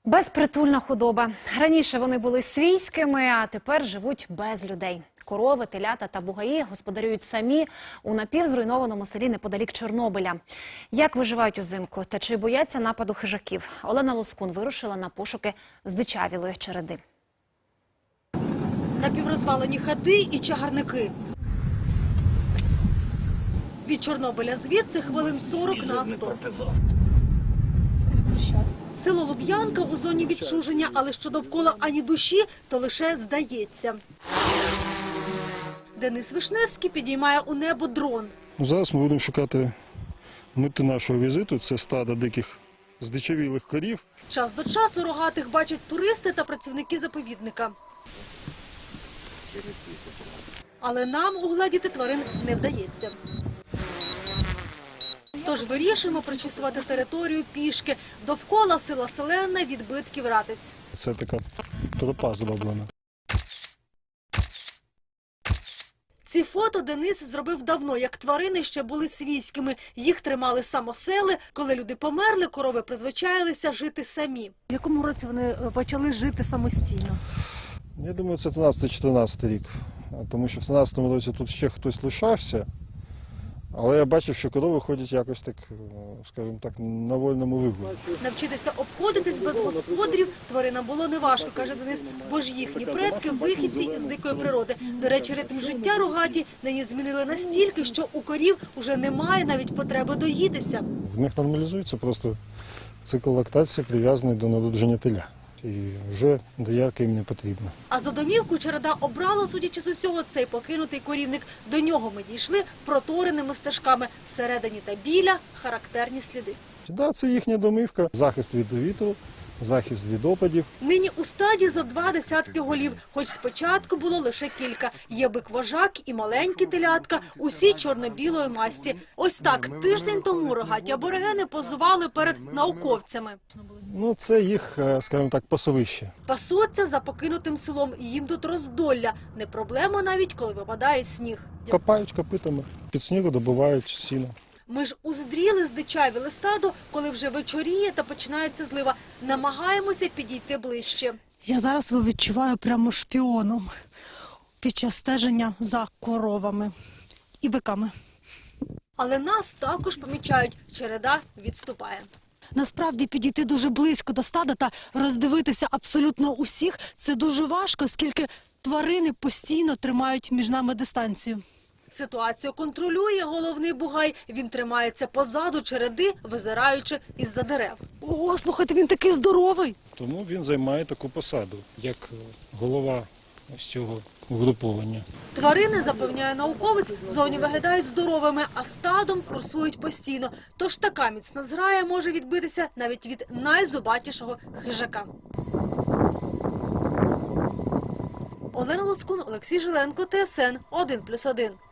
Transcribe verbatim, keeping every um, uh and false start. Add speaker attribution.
Speaker 1: Безпритульна худоба. Раніше вони були свійськими, а тепер живуть без людей. Корови, телята та бугаї господарюють самі у напівзруйнованому селі неподалік Чорнобиля. Як виживають узимку та чи бояться нападу хижаків? Олена Лоскун вирушила на пошуки здичавілої череди.
Speaker 2: Напіврозвалені хати і чагарники. Від Чорнобиля звідси хвилин сорок на авто. Село Луб'янка у зоні відчуження, але що довкола ані душі, то лише здається. Денис Вишневський підіймає у небо дрон.
Speaker 3: Зараз ми будемо шукати мети нашого візиту. Це стадо диких здичавілих корів.
Speaker 2: Час до часу рогатих бачать туристи та працівники заповідника. Але нам угледіти тварин не вдається. Тож вирішимо прочісувати територію пішки. Довкола села Селена відбитків ратиць.
Speaker 3: Це така тропа зроблена.
Speaker 2: Ці фото Денис зробив давно, як тварини ще були свійськими. Їх тримали самосели. Коли люди померли, корови призвичаїлися жити самі. В якому році вони почали жити самостійно?
Speaker 3: Я думаю, це тринадцятий-чотирнадцятий рік. Тому що в тринадцятому році тут ще хтось лишався. Але я бачив, що корови ходять якось так, скажімо так, на вольному вигулі.
Speaker 2: Навчитися обходитись без господарів тваринам було неважко, каже Денис, бо ж їхні предки – вихідці із дикої природи. До речі, ритм життя рогаті нині змінили настільки, що у корів уже немає навіть потреби доїтися.
Speaker 3: В них нормалізується просто цикл лактації, прив'язаний до народження теля. І вже доярка їм не потрібна.
Speaker 2: А за домівку череда обрала, судячи з усього, цей покинутий корівник. До нього ми дійшли протореними стежками. Всередині та біля характерні сліди.
Speaker 3: Так, це їхня домівка, захист від вітру, захист від опадів.
Speaker 2: Нині у стаді зо два десятки голів, хоч спочатку було лише кілька. Є бик-вожак і маленькі телятка, усі чорно-білої масті. Ось так тиждень тому рогаті аборигени позували перед науковцями.
Speaker 3: Ну, це їх, скажімо так, пасовище.
Speaker 2: Пасуться за покинутим селом, їм тут роздолля. Не проблема навіть, коли випадає сніг.
Speaker 3: Копають копитами, під снігу добувають сіно.
Speaker 2: Ми ж уздріли здичавіле стадо, коли вже вечоріє та починається злива. Намагаємося підійти ближче.
Speaker 4: Я зараз себе відчуваю прямо шпіоном під час стеження за коровами і биками.
Speaker 2: Але нас також помічають. Череда відступає.
Speaker 4: Насправді підійти дуже близько до стада та роздивитися абсолютно усіх – це дуже важко, оскільки тварини постійно тримають між нами дистанцію.
Speaker 2: Ситуацію контролює головний бугай. Він тримається позаду череди, визираючи із-за дерев.
Speaker 4: О, слухайте, він такий здоровий!
Speaker 3: Тому він займає таку посаду, як голова ось цього угруповання.
Speaker 2: Тварини, запевняє науковець, зовні виглядають здоровими, а стадом курсують постійно. Тож така міцна зграя може відбитися навіть від найзубатішого хижака. Олена Лоскун, Олексій Жиленко, Т С Н один плюс один.